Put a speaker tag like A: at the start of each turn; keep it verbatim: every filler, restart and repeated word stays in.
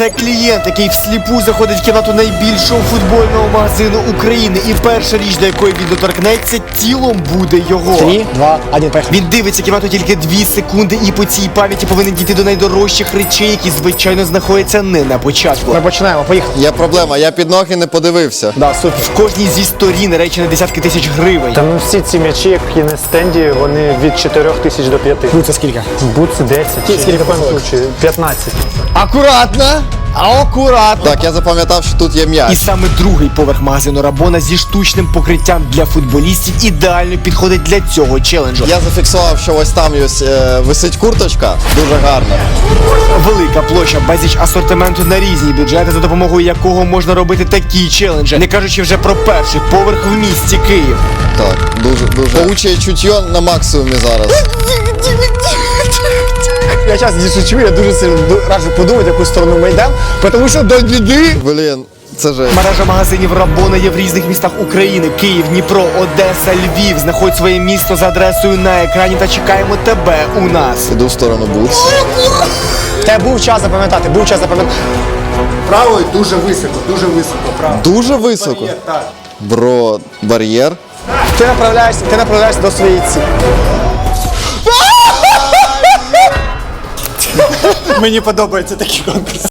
A: Це клієнт, який всліпу заходить в кімнату найбільшого футбольного магазину України. І перша річ, до якої він доторкнеться, тілом буде його.
B: Три, два, один, поехали.
A: Він дивиться кімнату тільки дві секунди і по цій пам'яті повинен дійти до найдорожчих речей, які, звичайно, знаходяться не на початку.
B: Ми починаємо, поїхали.
C: Є проблема, я під ноги не подивився.
B: Да, супер.
A: В кожній зі сторін речі на десятки тисяч гривень.
D: Та ну всі ці м'ячі, які на стенді, вони від чотирьох тисяч до п'яти.
B: Ну це скільки?
D: Бутси десять.
B: Скільки
D: Ні, в якому
B: футболок?
D: случаї? п'ятнадцять.
B: Акуратно! Акуратно!
C: Так, я запам'ятав, що тут є
A: І
C: м'яч.
A: саме другий поверх магазину Рабона зі штучним покриттям для футболістів ідеально підходить для цього челенджу.
C: Я зафіксував, що ось там ось, е, висить курточка, дуже гарна.
A: Велика площа, безліч асортименту на різні бюджети, за допомогою якого можна робити такі челенджі. Не кажучи вже про перший поверх в місті Київ.
C: Так, дуже, дуже. Пауче чутьо на максимумі зараз.
B: Я зараз не шучу, я дуже сильно ду- раджу подумати, яку сторону ми йдемо, тому що до біди.
C: Блін, це же.
A: Мережа магазинів Рабона є в різних містах України. Київ, Дніпро, Одеса, Львів. Знаходь своє місто за адресою на екрані та чекаємо тебе у нас.
C: Іду в сторону бутс.
B: В тебе був час запам'ятати, був час запам'ятати.
E: Правою дуже високо, дуже високо, право.
C: Дуже високо.
E: Так.
C: Бро, бар'єр.
B: Ти направляєшся, ти направляєшся до своєї цілі.
E: Мені подобається такий конкурс.